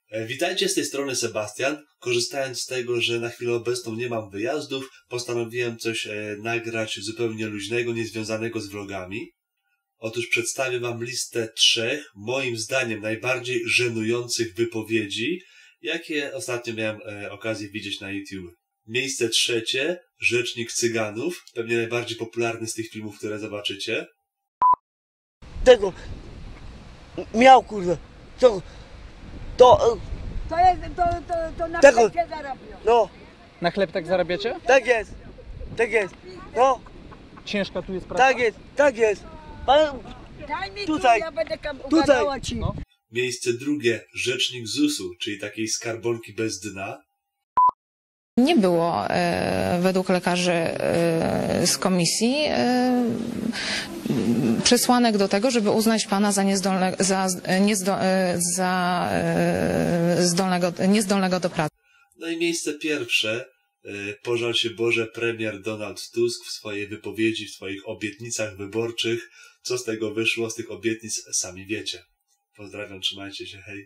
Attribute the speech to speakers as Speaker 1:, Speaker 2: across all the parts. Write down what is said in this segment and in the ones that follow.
Speaker 1: Witajcie, z tej strony Sebastian. Korzystając z tego, że na chwilę obecną nie mam wyjazdów, postanowiłem coś nagrać zupełnie luźnego, niezwiązanego z vlogami. Otóż przedstawię wam listę 3, moim zdaniem, najbardziej żenujących wypowiedzi, jakie ostatnio miałem okazję widzieć na YouTube. Miejsce 3, Rzecznik Cyganów, pewnie najbardziej popularny z tych filmów, które zobaczycie.
Speaker 2: Tego miał, kurde, to
Speaker 3: na
Speaker 2: tego,
Speaker 3: chlebie zarabią.
Speaker 2: no,
Speaker 4: Na chleb tak zarabiacie?
Speaker 2: tak jest, no,
Speaker 4: Ciężka tu jest praca?
Speaker 2: tak jest, pan,
Speaker 3: Daj mi
Speaker 2: Tutaj,
Speaker 3: tu, ja będę
Speaker 2: tutaj.
Speaker 3: ugadała ci.
Speaker 4: No.
Speaker 1: Miejsce 2, Rzecznik ZUS-u, czyli takiej skarbonki bez dna.
Speaker 5: Nie było według lekarzy z komisji przesłanek do tego, żeby uznać pana za niezdolnego do pracy.
Speaker 1: No i miejsce 1, pożal się Boże, premier Donald Tusk w swojej wypowiedzi, w swoich obietnicach wyborczych. Co z tego wyszło, z tych obietnic sami wiecie. Pozdrawiam, trzymajcie się, hej.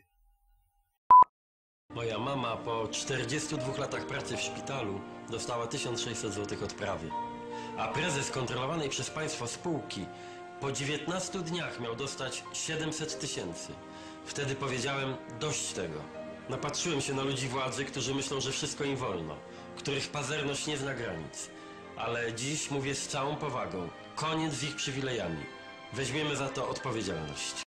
Speaker 6: Moja mama po 42 latach pracy w szpitalu dostała 1600 zł odprawy. A prezes kontrolowanej przez państwo spółki po 19 dniach miał dostać 700 000. Wtedy powiedziałem, dość tego. Napatrzyłem się na ludzi władzy, którzy myślą, że wszystko im wolno, których pazerność nie zna granic. Ale dziś mówię z całą powagą, koniec z ich przywilejami. Weźmiemy za to odpowiedzialność.